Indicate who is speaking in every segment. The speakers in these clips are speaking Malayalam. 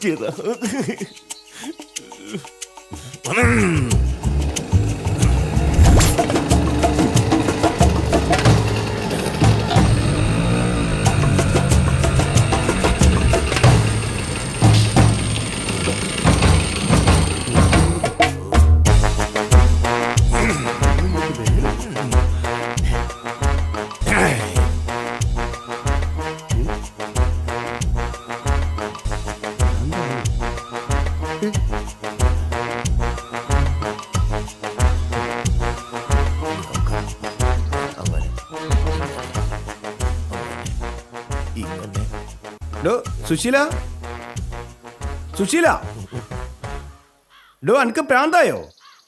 Speaker 1: പറ്റിയതാ.
Speaker 2: സുശീല, സുശീല, ഡോ അനക്ക് പ്രാന്തായോ?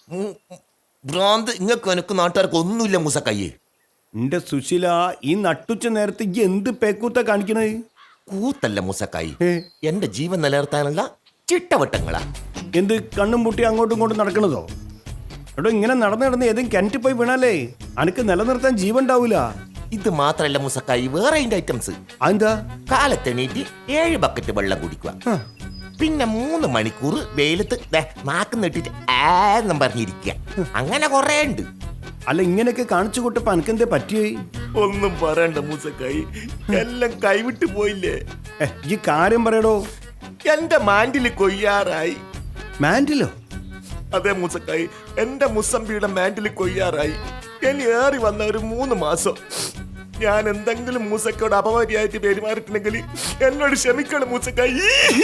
Speaker 1: ഭ്രാന്ത് ഇങ്ങക്ക് എനക്ക് നാട്ടുകാർക്ക് ഒന്നുമില്ല മൂസക്കയ്യേ.
Speaker 2: എന്റെ സുശീല, ഈ നട്ടുച്ച നേരത്തെ എന്ത് പേക്കൂത്ത കാണിക്കണേ?
Speaker 1: കൂത്തല്ല മൂസക്കായി, എന്റെ ജീവൻ നിലനിർത്താനുള്ള ചിട്ടവട്ടങ്ങളാ.
Speaker 2: എന്ത് കണ്ണും പൂട്ടി അങ്ങോട്ടും ഇങ്ങോട്ടും നടക്കണതോ? എടോ, ഇങ്ങനെ നടന്ന് ഏതെങ്കിലും കിണറ്റിൽ പോയി വീണാലേ അനക്ക് നിലനിർത്താൻ ജീവൻ ഉണ്ടാവൂല.
Speaker 1: ഇത് മാത്രല്ല മൂസക്കായി, വേറെ ഐറ്റംസ്.
Speaker 2: അതെന്താ?
Speaker 1: കാലത്തെണീറ്റ് 7 ബക്കറ്റ് വെള്ളം കുടിക്കുക, പിന്നെ 3 മണിക്കൂർ വെയിലത്ത് നാക്ക് നെട്ടിട്ട് ആന്നും പറഞ്ഞിരിക്കുക. അങ്ങനെ കൊറേ ഉണ്ട്.
Speaker 2: അല്ല, ഇങ്ങനെയൊക്കെ കാണിച്ചു കൂട്ടപ്പോ അനക്കെന്തേ പറ്റിയേ?
Speaker 1: ഒന്നും പറയണ്ട മൂസക്കായി, എല്ലാം കൈവിട്ട് പോയില്ലേ.
Speaker 2: ഈ കാര്യം പറയടോ.
Speaker 1: എന്റെ മാൻഡില് കൊയ്യാറായി.
Speaker 2: മാൻഡിലോ?
Speaker 1: അതെ മൂസക്കായി, എന്റെ മുസമ്പിയുടെ മാൻഡില് കൊയ്യാറായി. ഇനി ഏറി വന്ന ഒരു 3 മാസം ഞാൻ എന്തെങ്കിലും മൂസക്കയോട് അപമര്യാദയായിട്ട് പെരുമാറിയിട്ടുണ്ടെങ്കിൽ എന്നോട് ക്ഷമിക്കണം മൂസക്കായി.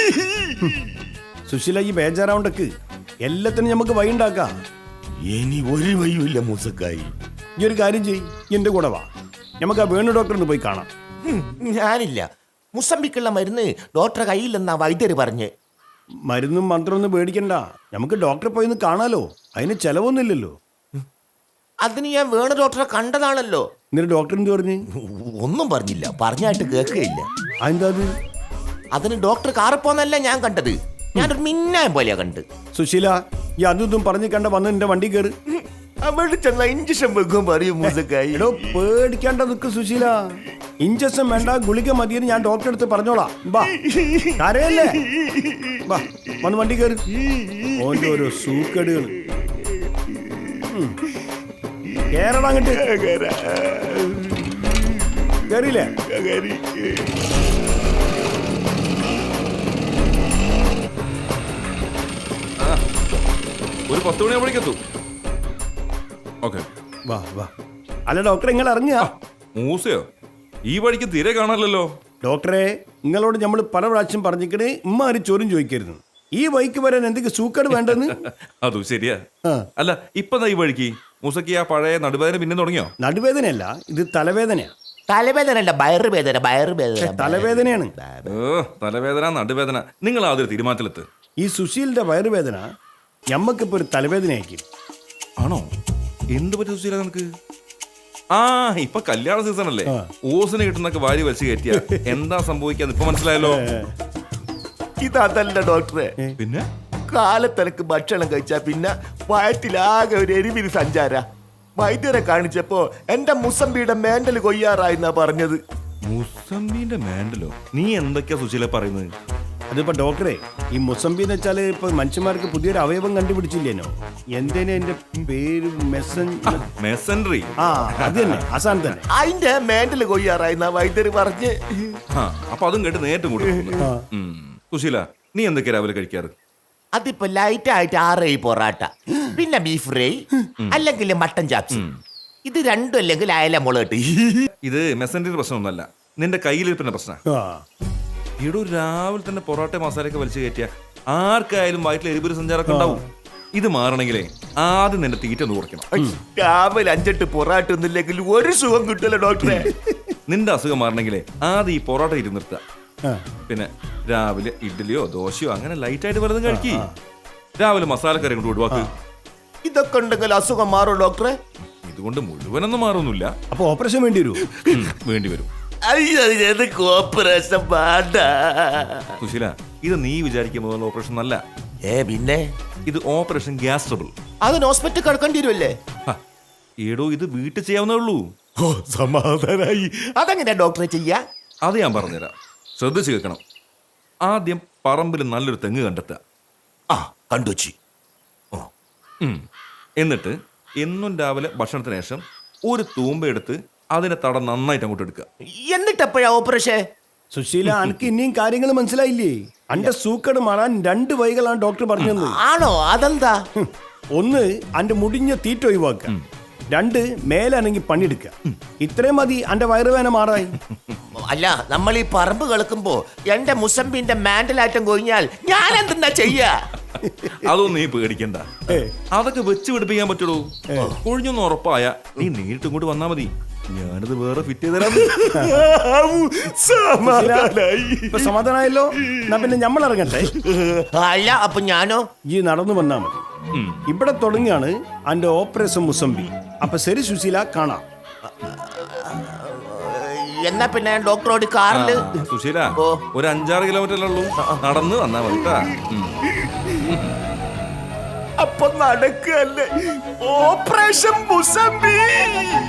Speaker 2: സുശീല, ഈ ബേജാറാവണ്ടക്ക് എല്ലാത്തിനും നമുക്ക് വഴി ഉണ്ടാക്കാം.
Speaker 1: ഇനി ഒരു വഴിയുമില്ല മൂസക്കായി.
Speaker 2: ഈ ഒരു കാര്യം ചെയ്യ്, എന്റെ കൂടെ വാ, നമുക്ക് ആ വേണു ഡോക്ടറിന് പോയി കാണാം.
Speaker 1: ഞാനില്ല, മുസമ്പിക്കുള്ള മരുന്ന് ഡോക്ടറെ കയ്യിലെന്നാ വൈദ്യര് പറഞ്ഞ്.
Speaker 2: മരുന്നും മന്ത്രമൊന്നും പേടിക്കണ്ട, നമുക്ക് ഡോക്ടറെ പോയി ഒന്ന് കാണാലോ. അതിന് ചെലവൊന്നുമില്ലല്ലോ.
Speaker 1: അതിന് ഞാൻ വേണ ഡോക്ടറെ കണ്ടതാണല്ലോ.
Speaker 2: എന്നിട്ട് ഡോക്ടർ എന്ത് പറഞ്ഞു?
Speaker 1: ഒന്നും പറഞ്ഞില്ല, പറഞ്ഞായിട്ട് കേൾക്കുകയില്ല.
Speaker 2: അതെന്താ?
Speaker 1: അതിന് ഡോക്ടർ കാറിപ്പോന്നല്ല ഞാൻ കണ്ടത്, ഞാനൊരു മിന്നായം പോലെയാ കണ്ട്.
Speaker 2: സുശീല, ഈ അതും പറഞ്ഞ് കണ്ട വന്ന് എന്റെ വണ്ടി കയറി
Speaker 1: അവിടെ ചെന്ന ഇഞ്ചക്ഷൻ വെക്കും പറയും മൂസക്കായി.
Speaker 2: എടോ, പേടിക്കാണ്ട നിക്ക് സുശീല, ഇഞ്ചക്ഷൻ വേണ്ട, ഗുളിക മതിയെന്ന് ഞാൻ ഡോക്ടറെ അടുത്ത് പറഞ്ഞോളാം. ബാ, കരയല്ലേ, ബാ, വന്ന് വണ്ടി കയറി. ഓന്റെ ഓരോ സൂക്കേടുകൾ. കേരള അങ്ങട്ട് കേറിയില്ലേ?
Speaker 3: ഒരു 10 മണിയാകുമ്പോഴേക്കെത്തും. ഓക്കെ,
Speaker 2: വാ വാ. അല്ല ഡോക്ടറെ, നിങ്ങൾ ഇറങ്ങിയ
Speaker 3: മൂസയോ? ഈ വഴിക്ക് തീരെ കാണാനല്ലോ.
Speaker 2: ഡോക്ടറെ, നിങ്ങളോട് നമ്മൾ പല പ്രാവശ്യം പറഞ്ഞിക്കണേ ഇമ്മ ആരും ചോദ്യം ചോദിക്കരുത്. ഈ വഴിക്ക് വരാൻ എന്തെങ്കിലും സൂക്കേട് വേണ്ടെന്ന്.
Speaker 3: അതും ശരിയാ. അല്ല, ഇപ്പൊ ഈ വഴിക്ക് മൂസക്ക് ആ പഴയ നടുവേദന പിന്നെ തുടങ്ങിയോ?
Speaker 2: നടുവേദനയല്ല, ഇത് തലവേദനയാ.
Speaker 1: തലവേദനല്ല, വയറുവേദന. വയറുവേദന
Speaker 2: തലവേദനയാണ്.
Speaker 3: തലവേദന, നടുവേദന, നിങ്ങൾ ആദ്യം തീരുമാനത്തിലെത്ത്.
Speaker 2: ഈ സുശീലിന്റെ വയറുവേദന ഞമ്മക്കിപ്പോ ഒരു തലവേദനയാക്കി.
Speaker 3: ആണോ? എന്ത് പറ്റി സുശീല നിനക്ക്? ആ, ഇപ്പൊ കല്യാണ സീസൺ അല്ലേ, ഓസിന് കിട്ടുന്നൊക്കെ വാരി വലിച്ചു കയറ്റിയ എന്താ സംഭവിക്കാന്ന് ഇപ്പൊ മനസ്സിലായല്ലോ.
Speaker 1: ഇതല്ല ഡോക്ടറെ,
Speaker 3: പിന്നെ
Speaker 1: കാലത്തിനക്ക് ഭക്ഷണം കഴിച്ചാ പിന്നെ വയറ്റിലാകെ ഒരു എരിവിരി സഞ്ചാര. വൈദ്യരെ കാണിച്ചപ്പോ എന്റെ മുസമ്പിയുടെ മേണ്ടല് കൊയ്യാറായിന്നാ പറഞ്ഞത്.
Speaker 3: മുസമ്പിന്റെ മേണ്ടലോ? നീ എന്തൊക്കെയാ സുശീല പറയുന്നത്?
Speaker 2: അതിപ്പോ ഡോക്ടറെ, ഈ മുസമ്പി എന്ന് വെച്ചാല് ഇപ്പൊ മനുഷ്യന്മാർക്ക് പുതിയൊരു അവയവം കണ്ടുപിടിച്ചില്ലേനോ? എന്തേനെ എന്റെ പേര്?
Speaker 3: മെസൻട്രി.
Speaker 2: ആ, അത് തന്നെ, ആസാൻ തന്നെ.
Speaker 1: അതിന്റെ മേണ്ടല് കൊയ്യാറായിന്നാ വൈദ്യര് പറഞ്ഞ്.
Speaker 3: അപ്പൊ അതും കേട്ട് നേരിട്ട് കൂട്ടും. സുശീല, നീ എന്തൊക്കെയാ രാവിലെ കഴിക്കാറ്?
Speaker 1: അതിപ്പോ ലൈറ്റ് ആയിട്ട് 6 പൊറാട്ട, പിന്നെ ബീഫ് ഫ്രൈ, അല്ലെങ്കിൽ മട്ടൻ ചാപ്സ്. ഇത് രണ്ടും അല്ലെങ്കിൽ അയല മുളക്.
Speaker 3: ഇത് മെസൻട്രി പ്രശ്നമൊന്നുമല്ല, നിന്റെ കയ്യിലിരിപ്പിന്റെ പ്രശ്നം. ഈടോ രാവിലെ തന്നെ പൊറോട്ട മസാലയൊക്കെ വലിച്ചു കയറ്റിയ ആർക്കായാലും വയറ്റിൽ എരിപൊരു സഞ്ചാരമൊക്കെ ഉണ്ടാവും. ഇത് മാറണമെങ്കിലേ ആദ്യം നിന്റെ തീറ്റ ഒന്ന് കുറയ്ക്കണം.
Speaker 1: രാവിലെ 5-8 പൊറാട്ട ഒന്നില്ലെങ്കിൽ ഒരു സുഖം കിട്ടില്ല ഡോക്ടറെ.
Speaker 3: നിന്റെ അസുഖം മാറണമെങ്കിലേ ആദ്യം ഈ പൊറോട്ട ഇരുന്ന് നിർത്തുക. പിന്നെ രാവിലെ ഇഡ്ഡലിയോ ദോശയോ അങ്ങനെ ലൈറ്റ് ആയിട്ട് വല്ലതും കഴിക്കി. രാവിലെ മസാലക്കറി കൊണ്ട് ഒഴിവാക്ക്.
Speaker 1: ഇതൊക്കെ ഉണ്ടെങ്കിൽ അസുഖം മാറും ഡോക്ടറെ?
Speaker 3: ഇതുകൊണ്ട് മുഴുവനൊന്നും മാറൊന്നുമില്ല.
Speaker 2: അപ്പൊ ഓപ്പറേഷൻ വേണ്ടി വരും?
Speaker 3: വേണ്ടി വരും.
Speaker 1: ഓപ്പറേഷൻ വേണ്ട
Speaker 3: സുശീല, ഇത് നീ വിചാരിക്കുന്ന ഓപ്പറേഷൻ അല്ല.
Speaker 1: പിന്നെ
Speaker 3: ഇത് ഓപ്പറേഷൻ ഗ്യാസ് ട്രബിൾ.
Speaker 1: അതിന് ഹോസ്പിറ്റൽ കിടക്കേണ്ടി വരുമല്ലേ?
Speaker 3: ഏടോ, ഇത് വീട്ടിൽ ചെയ്യാവുന്നേ ഉള്ളൂ.
Speaker 1: ഓ, സമാധാനായി. അതെങ്ങനെയാ ഡോക്ടറെ ചെയ്യാ?
Speaker 3: അത് ഞാൻ പറഞ്ഞുതരാം, ശ്രദ്ധിച്ചു കേൾക്കണം. ആദ്യം പറമ്പിൽ നല്ലൊരു തെങ്ങ് കണ്ടെത്തുക.
Speaker 1: ആ കണ്ടുവച്ചി.
Speaker 3: ഉം. എന്നിട്ട് എന്നും രാവിലെ ഭക്ഷണത്തിന് ശേഷം ഒരു തൂമ്പ എടുത്ത് അതിന്റെ തട നന്നായിട്ട് അങ്ങോട്ട് എടുക്കുക.
Speaker 1: എന്നിട്ടെപ്പോഴാ ഓപ്പറേഷൻ?
Speaker 2: സുശീല അനക്ക് ഇനിയും കാര്യങ്ങൾ മനസ്സിലായില്ലേ? അന്റെ സൂക്കട് മാറാൻ 2 വഴികളാണ് ഡോക്ടർ പറഞ്ഞത്.
Speaker 1: ആണോ? അതെന്താ?
Speaker 2: ഒന്ന് അന്റെ മുടിഞ്ഞ തീറ്റ ഒഴിവാക്കുക, 2 മേലാണെങ്കിൽ പണിയെടുക്കുക. ഇത്രയും മതി അന്റെ വയറുവേന മാറായി.
Speaker 1: അല്ല, നമ്മൾ ഈ പറമ്പ് കളക്കുമ്പോ എന്റെ മുസമ്പിന്റെ മാൻഡലാറ്റം കൊഴിഞ്ഞാൽ ഞാൻ എന്തെന്നാ ചെയ്യാ?
Speaker 3: അതൊന്നും നീ പേടിക്കണ്ട, അതൊക്കെ വെച്ച് പിടിപ്പിക്കാൻ പറ്റുള്ളൂ. കൊഴിഞ്ഞൊന്ന് ഉറപ്പായ നീ നേരിട്ട് ഇങ്ങോട്ട് വന്നാ മതി, ഞാനത് വേറെ ഫിറ്റ് ചെയ്ത് തരാം.
Speaker 2: ഇപ്പൊ സമാധാനമായല്ലോ? എന്നാ പിന്നെ നമ്മൾ ഇറങ്ങട്ടെ.
Speaker 1: അല്ല, അപ്പൊ ഞാനോ?
Speaker 2: ഈ നടന്നു വന്നാ മതി. ഇവിടെ തുടങ്ങിയാണ് അന്റെ ഓപ്പറേഷൻ മുസമ്പി. അപ്പൊ ശരി സുശീല, കാണാം.
Speaker 1: എന്നാ പിന്നെ ഡോക്ടറോട് കാറില്.
Speaker 3: സുശീല, ഒരു 5-6 കിലോമീറ്റർ ഉള്ളൂ, നടന്ന് വന്നാ മതി ട്ടാ.
Speaker 1: അപ്പൊ നടക്കല്ലേ ഓപ്പറേഷൻ മുസമ്പി?